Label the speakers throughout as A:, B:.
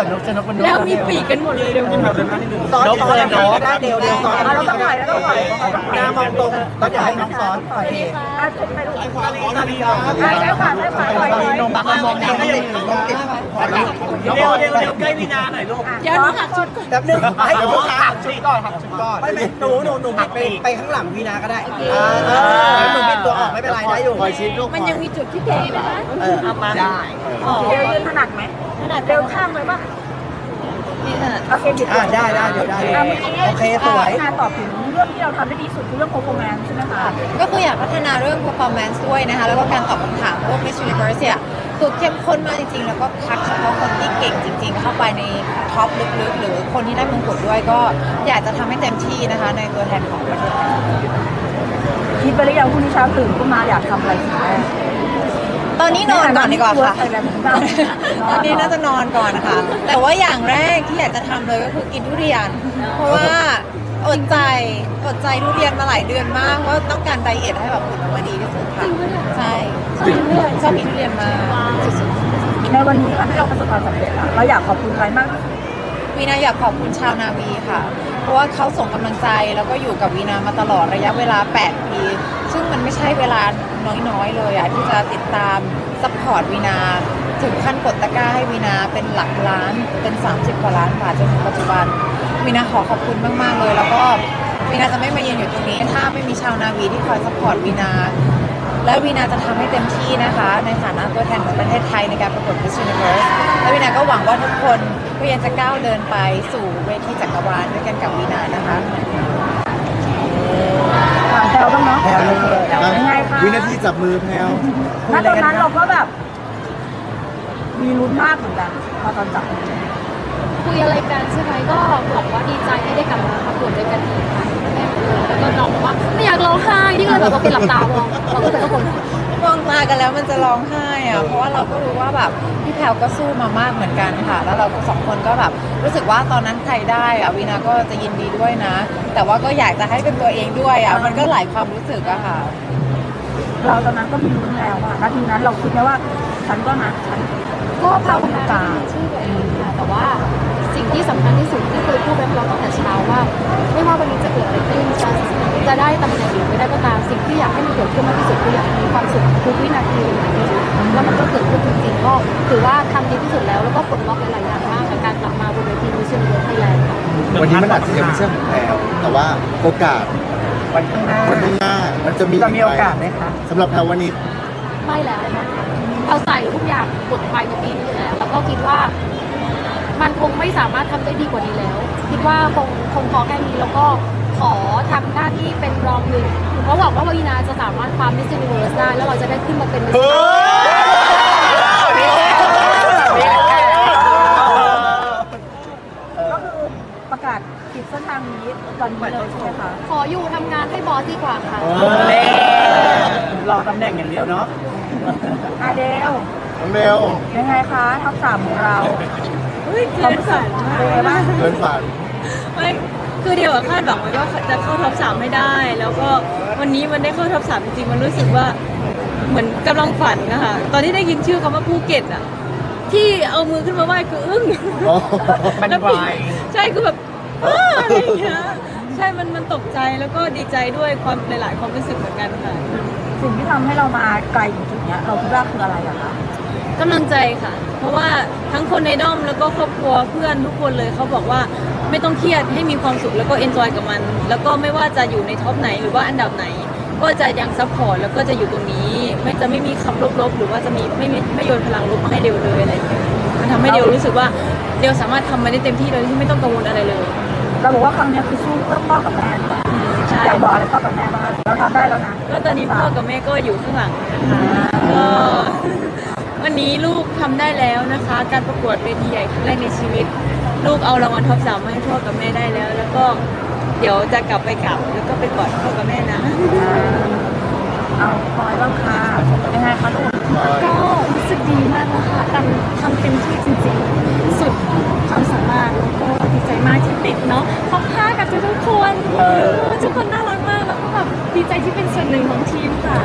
A: นกมัน
B: แล้วมีปีกกันหมดเลยเดี๋ยว
A: ซ้อนซ้อนได้เดียวซ้อน
C: เราต้องปล่อยแล้วต้องปล่อย
A: หน้ามองตรงต้องอยากให้น้องซ้อนโอเค
C: ไปดูได้ค่ะปล่อย
A: ลงปากมองก็ยังลงติด
D: เร็วใกล้วีนาหน่อยลูก
B: เดี๋ยวหนูหักชุดก่อน
A: แป๊บนึงให้ผมหักชุดก่อนหักชุดก่อนไม่หนูไปข้างหลังวีนาก็ได้หนูเป็นตัวออกไม่เป็นไรได้อยู่คอยชิ้นลูก
B: มันยังมีจุดที่เก๋นะคะ
A: เอามาได้
C: เร็วยืนถนัดไหมถนัดเร็วข้างเลยป่ะโอเคผิด
A: ได้เดี๋ยวได้โอเคสวย
C: งานตอบถึงเรื่องที่เราทำได้ดีสุดคือเรื่อง performance ใช่ไหมคะ
E: ก็คืออยากพัฒนาเรื่อง performance ด้วยนะคะแล้วก็การตอบคำถามพวก Miss Universe เนี่ยคือเข้มข้นมากจริงๆแล้วก็คัดเฉพาะคนที่เก่งจริงๆเข้าไปในท็อปลึกๆหรือคนที่ได้มงกุฎด้วยก็อยากจะทำให้เต็มที่นะคะในตัวแทนของประเทศไทย
C: คิดไปหรือยังพรุ่งนี้เช้าตื่นขึ้นมาอยากทำอะไรสิ่งแรก
E: ตอนนี้นอนก่อนดีกว่าค่ะตอนนี้น่าจะนอนก่อนนะคะแต่ว่าอย่างแรกที่อยากจะทำเลยก็คือกินทุเรียนเพราะว่าอดใจทุเรียนมาหลายเดือนมากว่าต้องการไดเอทให้แบบหุ่นออกมาดีที่สุดค่ะใช่ชอบกินทุเรียนมากสุดๆ
C: ในวันนี้ที่เราประสบความสำเร็จเราอยากขอบคุณใครมาก
E: วีนาอยากขอบคุณชาวนาวีค่ะเพราะว่าเขาส่งกำลังใจแล้วก็อยู่กับวีนามาตลอดระยะเวลา8 ปีซึ่งมันไม่ใช่เวลาน้อยๆเลยอะที่จะติดตามซัพพอร์ตวีนาถึงขั้นกดตะกร้าให้วีนาเป็นหลักล้านเป็น30 กว่าล้านบาทจนถึงปัจจุบันวีนาขอบคุณมากๆเลยแล้วก็วีนาจะไม่มายืนอยู่ตรงนี้ถ้าไม่มีชาวนาวีที่คอยซัพพอร์ตวีนาและวีนาจะทำให้เต็มที่นะคะในฐานะตัวแทนของประเทศไทยในการประกวด Miss Universe และวีนาก็หวังว่าทุกคนก็ยังจะก้าวเดินไปสู่เวทีจักรวาลด้วยกันกับวีนานะคะ
C: ถามแพลวบ้างเนาะ
A: แพลวเลย
C: ยังไงคะ
F: วินาทีจับมือแพลว
C: ณตอนนั้นเราก็แบบมีลุ้นมากเหมือนกันพอตอนจับ
B: คุยอะไรกันใช่ไหมก็บอกว่าดีใจที่ได้กลับมาประกวดด้วยกันอีกค่ะแล้วก็น้องบอกว่าไม่อยากร้องไห้ที่ก็เลยแบบว่าเป็นหลับตามองเราก็เป็นทุกคน
E: มองตากันแล้วมันจะร้องไห้อะเพราะว่าเราก็รู้ว่าแบบพี่แพลวก็สู้มามากเหมือนกันค่ะแล้วเราสองคนก็แบบรู้สึกว่าตอนนั้นใครได้อะวีนาก็จะยินดีด้วยนะ แต่ว่าก็อยากจะให้เป็นตัวเองด้วยอะมันก็หลายความรู้สึกอะค่ะ
C: เราตอนนั้นก็มีลุ้นแล้วอะนาทีนั้นเราคิดไหมว่าฉันก็นะฉัน
B: ก็ภาวนาให้มีชื่อตัวเองค่ะแต่ว่าสิ่งที่สำคัญที่สุดที่เคยพูดไปเราตั้งแต่เช้าว่าไม่ว่าวันนี้จะเกิดอะไรขึ้นจะได้ตำแหน่งหรือไม่ได้ก็ตามสิ่งที่อยากให้มันเกิดขึ้นมากที่สุดคืออยากมีความสุขทุกวินาทีแล้วมันก็เกิดขึ้นจริงๆก็ถือว่าทำดีที่สุดแล้วก็ปลดล็อกหลายอย่างมากกับการกลับมาบนเวทีมิสซิเวิร์สไทยแลนด์ค่ะ
F: วันนี้มันอาจจะยังไม่ใช่ของแพลวแต่ว่าโอกาส
A: วันข้างหน้า
F: วันข้างหน้ามันจะมี
A: จะมีโอกาสไหมคะ
F: สำหรับแพลววันนี้
B: ไม่แล้วเอาใส่ทุกอย่างบทไปในปีนี้แล้วแล้วก็คิดว่ามันคงไม่สามารถทำได้ดีกว่านี้แล้ว คิดว่าคงพอแค่นี้แล้วก็ขอทำหน้าที่เป็นรองหนึ่งเพราะหวังว่าวีนาจะสามารถคว้ามิสซิเวิร์สได้แล้วเราจะได้ขึ้นมาเป็นมิสซิเวิร์ส
C: ก็คือประกาศปิดเส้นทางนี้ตอนนี้เลยใช่ไหมคะ
B: ขออยู่ทำงานให้บอสดีกว่าค่ะ
A: รอตำแหน่งอย่างเดียวเนาะ
C: อาเดล
F: เร็ว
C: ยังไงคะท็อป3ของเราความรู้สึกเป็นไงบ้าง
F: เกินฝัน
G: ไม่คือเดียวคาดหวังไว้ว่าจะเข้าท็อป3ไม่ได้ แล้วก็วันนี้มันได้เข้าท็อป3จริงๆมันรู้สึกว่าเหมือนกำลังฝันนะคะตอนที่ได้ยินชื่อคำว่าภูเก็ตอ่ะที่เอามือขึ้นมาไหว้คืออึ้ง
A: มัน
G: แล้ว
A: ไว
G: ใช่คือแบบอะไรอย่างเงี้ยใช่มันตกใจแล้วก็ดีใจด้วยความหลายๆความรู้สึกเหมือนกันค่ะ
C: สิ่งที่ทำให้เรามาไกลถึงจุดเนี้ยเราคิดว่าคืออะไรอะคะ
G: กำลังใจค่ะ เพราะว่าทั้งคนในด้อมแล้วก็ครอบครัวเพื่อนทุกคนเลยเขาบอกว่าไม่ต้องเครียดให้มีความสุขแล้วก็เอนจอยกับมัน แล้วก็ไม่ว่าจะอยู่ในท็อปไหนหรือว่าอันดับไหน ก็จะยังซัพพอร์ตแล้วก็จะอยู่ตรงนี้ไม่มีคำลบๆหรือว่าจะมีไม่โยนพลังลบมาให้เดียวเลยอะไรอย่างเงี้ยมันทำให้เดียวรู้สึกว่าเดียวสามารถทำมันได้เต็มที่โดยที่ไม่ต้องกังวลอะไรเลย
C: เราบอกว่าครั้งเนี้ยคือสู้เพื่อพ่อกับแม่ดีกว่าอยากบอกอะไรพ่อกับแม่บ้างเราทำได้แล้วนะ
G: ก็ตอนนี้พ่อกับแม่ก็อยู่ข้างหลังนะคะก็วันนี้ลูกทำได้แล้วนะคะ การประกวดเวทีใหญ่ครั้งแรกในชีวิต ลูกเอารางวัลท็อป3มาให้พ่อกับแม่ได้แล้ว แล้วก็เดี๋ยวจะกลับแล้วก็ไปกอดพ่อกับแม่นะ
C: เอาพลอยบ้างค่ะยังไงคะลูก
B: ก็รู้สึกดีมากนะคะการทำเต็มที่จริงๆสุดความสามารถแล้วก็ดีใจมากที่ติดเนาะท็อป5กับทุกคนทุกคนน่ารักมากแล้วก็แบบดีใจที่เป็นส่วนหนึ่งของทีมค่ะ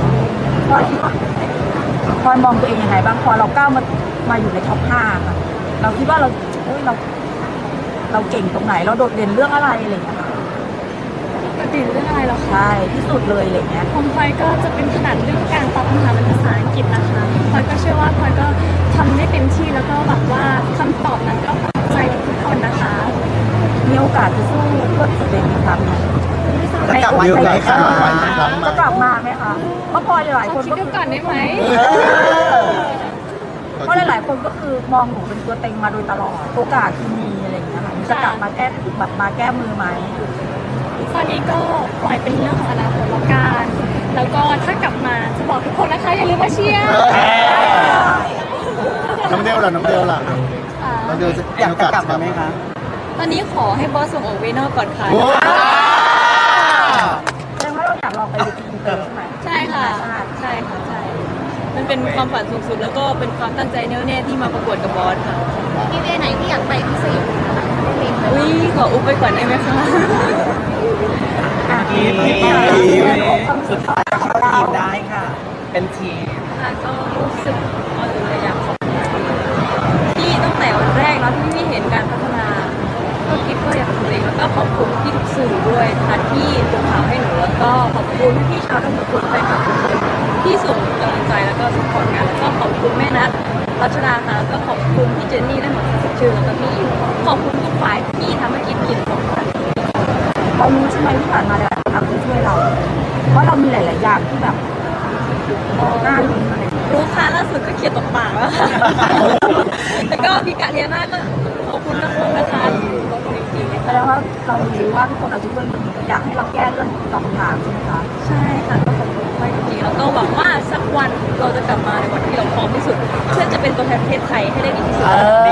C: พลอยมองตัวเองยังไงบ้างพอเราก้าวมาอยู่ในท็อป5ค่ะเราคิดว่าเราเก่งตรงไหนเราโดดเด่นเรื่องอะไรอะไรอย่างเงี้ยค่ะ
H: ปกติเรื่องอะไรเหรอคะ
C: ใช่ที่สุดเลยอะไรอย่างเงี้ย
H: ของพลอยก็จะเป็นถนัดเรื่องการตอบคำถามเป็นภาษาอังกฤษนะคะพลอยก็เชื่อว่าพลอยก็ทำได้เต็มที่แล้วก็หวังว่าคำตอบนั้นก็ประทับใจทุกคนนะคะ
C: มีโอกาสจะสู้เพื่อตัวเองอีกครั้งไหม
A: จะกลับมา
F: มี
A: อี
F: โอก กา
A: ไหม
F: ส
A: คะ
C: จะกลับมาไหมคะเพราะพลอยหลายคน
H: คิด
C: ก็
H: ดูก่อนได้ไหม
C: เพราะหลายๆคนก็คือมองหนูเป็นตัวเต็งมาโดยตลอดโอกาสที่มีอะไรอย่างเงี้ยค่ะจะกลับมามาแก้มือไหม
H: ตอนนี้ก็ปล่อยเป็นเรื่องของอนาคตแล้วกันแล้วก็ถ้ากลับมาจะบอกทุกคนนะคะอย่าลืมมาเชียร์
F: น้ำเดียวล่ะน้ำเดียวล่ะน้ำเดียวจะ
A: อยากจะกลับมาไหมคะ
G: ตอนนี้ขอให้บอสส่งออกเวนอกก่อนค่ะ
F: โอ้
C: แสดงว่าเราอยากลองไปดูอินเตอร์ใช่ไหม
G: ใช่ค่ะ ใช่ค่ะ ใช่ มันเป็นความฝันสูงสุดแล้วก็เป็นความตั้งใจแน่วแน่ที่มาประกวดกับบอสค่ะ
B: พี่เวไหนที่อยากไปพิเศษ
G: อุ้ยขออุบไปก่อนได้ไหมคะ
A: สุดท้ายเข้าทีมได้ค่ะ เป็นทีม
G: ค่ะก็รู้สึกก่อนอื่นเลยอยากขอบคุณที่ตั้งแต่วันแรกเนาะที่พี่เห็นการพัฒนา ก็คิดว่าอยากทำเองแล้วก็ขอบคุณพี่ทุกสื่อด้วยนะคะที่ส่งข่าวให้หนูแล้วก็ขอบคุณพี่ชาวทั้งหมดแฟนคลับทุกคนที่ส่งกำลังใจแล้วก็สปอร์ตกันแล้วก็ขอบคุณแม่นัทรัชดาค่ะแล้วก็ขอบคุณพี่เจนนี่ได้หมดทั้งชื่อแล้วก็พี่อิ๋วขอบคุณทุกฝ่ายที่ทำให้กินอิ่มของกัน
C: เรารู้ใช่ไหมที่ผ่านมาแล้วครับที่ช่วยเรา เพราะเรามีหลายๆอย่างที่แบบน่าลุ้นอะไรอย่างเงี้ย
G: รู้ค่ะล่าสุดก็เคลียร์ตกปากแล้วค่ะ แล้วก็พี่กาเรียนาก็ขอบคุณทุกคนนะคะขอบคุณจริงๆ
C: แสดงว่าเรารู้ว่าทุกคนอาจจะช่วยเราอยากให้เราแก้เรื่องตอบคำถามใช่ไหมคะ
G: ใช่ค่ะก็ขอบคุณมากจริงๆแล้วก็หวังว่าสักวันเราจะกลับมาในวันที่เราพร้อมที่สุด เพื่อจะเป็นตัวแทนประเทศไทยให้ได้ดีที่สุด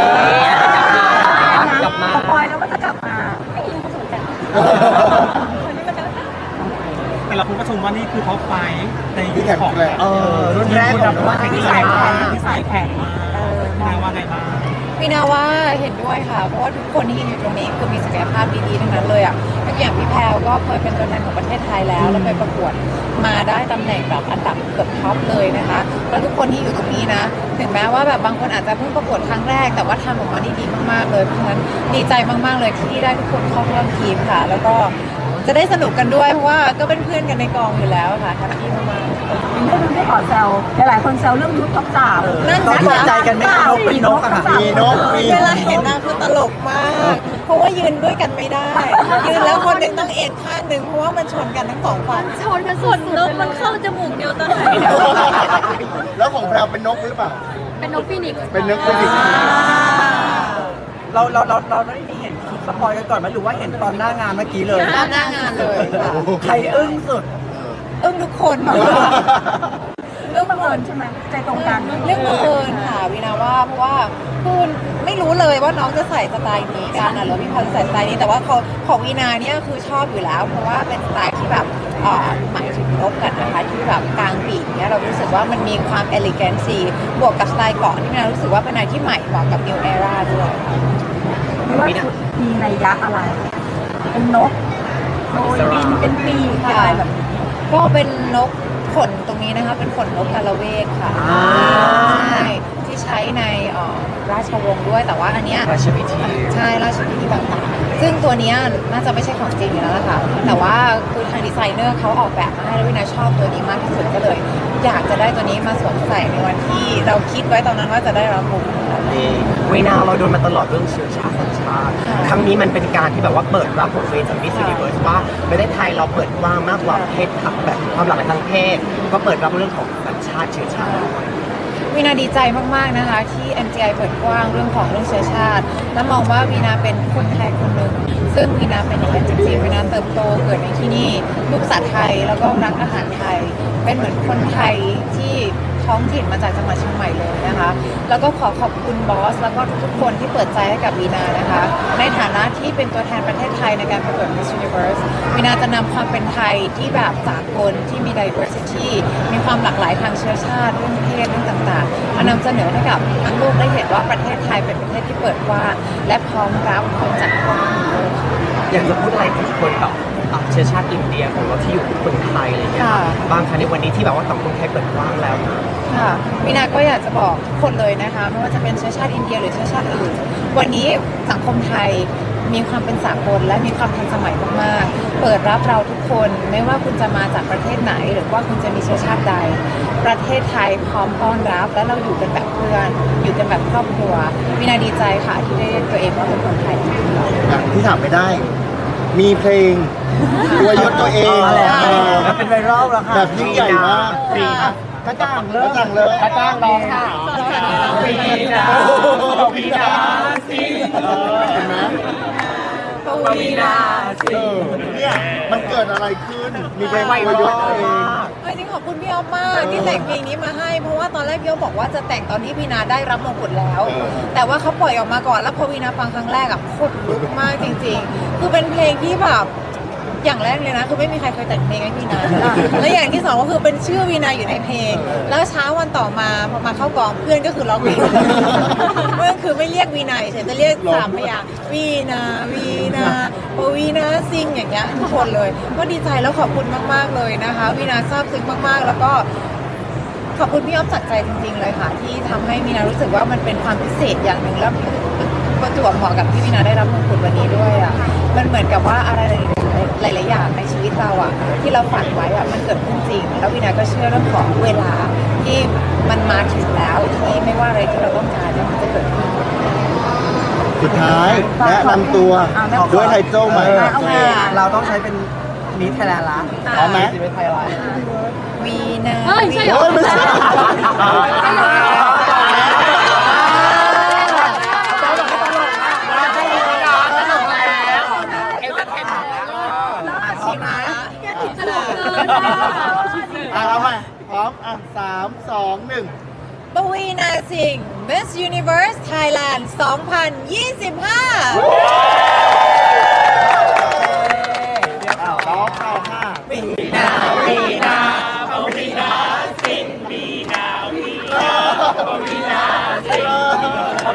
A: กลับมา
C: สปอยแล้วว่าจะกลับมา
G: ไม่รู้เขาสนใจวันนี้มาเจอกัน
D: แต่ละคนก็ชมว่านี่คือท็อปไฟว์ในยุ
F: ที่
D: ค
F: แข่ง
D: ของ
F: แรก
A: รุ่นแรกของว่า
D: ที่
A: ที่
D: สา
A: สาย ย
D: แข่
A: แข่
D: ง
A: ง
D: ที่สายแข่งมาแปลว่าไงบ้าง
E: พี่นาว่าเห็นด้วยค่ะ เพราะว่าทุกคนที่อยู่ตรงนี้คือมีศักยภาพดีๆทั้งนั้นเลยอ่ะอย่างพี่แพรวก็เคยเป็นตัวแทนของประเทศไทยแล้วไปประกวดมาได้ตำแหน่งแบบอันดับเกือบท็อปเลยนะคะแล้วทุกคนที่อยู่ตรงนี้นะถึงแม้ว่าแบบบางคนอาจจะเพิ่งประกวดครั้งแรกแต่ว่าทำออกมาได้ดีมากๆเลยเพราะฉะนั้นดีใจมากๆเลยที่ได้ทุกคนเข้าร่วมทีมค่ะ แล้วก็จะได้สนุกกันด้วยเพราะว่าก็เป็นเพื่อนกันในกองอยู่แล้วค่ะแฮปปี้มากๆ
C: ไม่ขอแซวหลายๆคนแซวเรื่องยุทธท็อปสาม
E: นั่น
A: ต้อง
E: สิ
A: ตก
E: คะ
A: ใจกันไหมคะนกเป็นนกอะค่ะ
F: มีนกมี
E: เวลาเห็นนางคือตลกมาก เพราะว่ายืนด้วยกันไม่ได้ ยืนแล้วคนหนึ่งต้องเอ็นข้างหนึ่งเพราะว่ามันชนกันทั้งสองฝั่ง
B: ชนกันสุ
G: ส่ว
B: ด
G: น
B: ๆ
G: นกมันเข้าจมูกเดียวตอนไหน
F: แล้วของเราเป็นนกหรือเปล่า
B: เป็นนกฟีนิกซ์
F: เป็นนกฟิสิกส์
A: เราได้เห็นคลิปสปอยกันก่อนไหมหรือว่าเห็นตอนหน้างานเมื่อกี้เลย
E: หน้างานเลยค่ะ
A: ใครอึ้งสุด
E: ทุกคน
C: เรื่องบังเอิญใช่ไหมใจตรงกัน
E: เรื่องบังเอิญค่ะวินาว่าเพราะว่าคือไม่รู้เลยว่าน้องจะใส่สไตล์นี้กันหรือพี่พรจะใส่สไตล์นี้แต่ว่าของวีนาเนี่ยคือชอบอยู่แล้ว เพราะว่าเป็นสไตล์ที่แบบหมายถึงนกกันนะคะที่แบบกลางปีกเนี่ยเรารู้สึกว่ามันมีความเอลิแกนซีบวกกับสไตล์เกาะที่วินารู้สึกว่าเป็นอะไรที่ใหม่เหมาะกับ New Era ด้วย
C: ไม่ว่าชุดมีนัยยะอะไร เป็นนกโดยบินเป็นปีกเป็นอะไรแบบนี้
E: ก็เป็นนกขนตรงนี้นะคะเป็นขนนกกาละเวกค่ะใช่ที่ใช้ในราชวงศ์ด้วยแต่ว่าอันเนี้ย
A: ราชพิธี
E: ใช่ราชพิธีต่างๆซึ่งตัวเนี้ยน่าจะไม่ใช่ของจริงอยู่แล้วล่ะค่ะแต่ว่าคือทางดีไซเนอร์เขาออกแบบมาให้แล้ววินาชอบตัวนี้มากที่สุดก็เลย อยากจะได้ตัวนี้มาสวมใส่ในวันที่เราคิดไว้ตอนนั้นว่าจะได้รับมงกุฎ
A: เวนาเราโดนมาตลอดเรื่องเชื้อชาติสัญชาติ ครั้งนี้มันเป็นการที่แบบว่าเปิดรับของเวจากมิสซิลิเวิร์สว่าประเทศไทยเราเปิดกว้างมากกว่าเพศทับแบบความหลากหลายทางเพศ ก็เปิดรับเรื่องของสัญชาติเชื้อชาติ
E: วีนาดีใจมากๆนะคะที่ MGI เปิดกว้างเรื่องของเรื่องเชื้อชาติ และมองว่าวีนาเป็นคนไทยคนหนึ่งซึ่งวีนาเป็นอย่างนั้นจริงๆวีนาเติบโตเกิดในที่นี่ลูกภาษาไทยแล้วก็รักอาหารไทย เป็นเหมือนคนไทยที่ท้องถิ่นมาจากจังหวัดเชียงใหม่เลยนะคะแล้วก็ขอขอบคุณบอสแล้วก็ทุกๆคนที่เปิดใจให้กับวีนานะคะในฐานะที่เป็นตัวแทนประเทศไทยในการประกวด Miss Universe วีนาจะนำความเป็นไทยที่แบบสากลที่มี diversity มีความหลากหลายทางเชื้อชาติเรื่องเพศเรื่องต่างๆมานำเสนอให้กับทั้งโลกได้เห็นว่าประเทศไทยเป็นประเทศที่เปิดกว้างและพร้อมรับคนจากทั่วโลก
A: อยากจะพูดอะไรกับคนแบบเชื้อชาติอินเดียของเราที่อยู่กับคนไทยอะไรเงี้ย
E: ค่ะ
A: บางครั้งในวันนี้ที่แบบว่าสังคมไทยเปิดกว้างแล้วนะ
E: ค่ะวีนาก็อยากจะบอกทุกคนเลยนะคะไม่ว่าจะเป็นเชื้อชาติอินเดียหรือเชื้อชาติอื่นวันนี้สังคมไทยมีความเป็นสากลและมีความทันสมัยมากๆเปิดรับเราทุกคนไม่ว่าคุณจะมาจากประเทศไหน หรือว่าคุณจะมีเชื้อชาติใด ประเทศไทยพร้อมต้อนรับและเราอยู่กันแบบเพื่อน อยู่กันแบบครอบครัววีนาดีใจค่ะที่ได้เรียกตัวเองว่าเป็นคนไทยจริงๆ
F: อย่างที่ถามไม่ได้ มีเพลงอวยยศตัวเอง
A: อ๋อแล้ว
F: เออ
A: เป็นไวรัลแล้วค่ะ
F: แบบยิ่งใหญ่มาก
A: ฟรี
F: อ่ะ
A: กระจ่างเลย
F: กระจ่างเลย
A: กระจ่างร้องค่ะ
F: วีนาวีนาเห็นไหม
A: วีนา
F: เนี่ยมันเกิดอะไรขึ้น มีเพลงอวยยศตัวเอง
E: จริงขอบคุณพี่อ๊อฟมากที่แต่งเพลงนี้มาให้เพราะว่าตอนแรกพี่อ๊อฟบอกว่าจะแต่งตอนที่วีนาได้รับมงกุฎแล้ว แต่ว่าเขาปล่อยออกมาก่อนแล้วพอวีนาฟังครั้งแรกอะโคตรลุกมากจริงๆ คือเป็นเพลงที่แบบอย่างแรกเลยนะคือไม่มีใครเคยแต่งเพลงให้วีนาและอย่างที่สองก็คือเป็นชื่อวีนาอยู่ในเพลง แล้วเช้าวันต่อมาพอมาเข้ากองเพื่อนก็คือร้องเพลงเพื่อนคือไม่เรียกวีนาเฉยจะเรียกสามพยางค์วีนาวีนาโอวีนาซิงอย่างเงี้ยทุกคนเลย ก็ดีใจแล้วขอบคุณมากๆเลยนะคะวีนาซาบซึ้งมากๆ แล้วก็ขอบคุณพี่อ๊อฟจากใจจริงๆเลยค่ะ ที่ทำให้วีนารู้สึกว่ามันเป็นความพิเศษอย่างหนึ่งแล้วประจวบเหมาะกับที่วีนาได้รับมงกุฎวันนี้ด้วยอ่ะมันเหมือนกับว่าอะไรหลายๆอย่างในชีวิตเราอ่ะที่เราฝันไว้อ่ะมันเกิดขึ้นจริง แล้ววีนาก็เชื่อเรื่องของเวลาที่มันมาถึงแล้วที่ไม่ว่าอะไรที่เราต้องการมันจะเกิดขึ้น
F: สุดท้ายแนะนำตัวด้วยไทโจ้ใหม่
E: โอเค
A: เราต้องใช้เป็นมิสไทยแลนด์ละ
F: พร้อมไหม
A: มิสไทยแลนด์
E: วีนา
G: เฮ้ยใช่เหรอ
F: โอ้ยไม่ใช่ เอาใหม่พร้อมอ่ะ3 2 1
E: ปวีนาสิงห์ Miss Universe Thailand 2025
F: ร้องเอาห้า
E: วีนาวีนาวีนาสิงห์วีนาวีนาวีนาสิงห์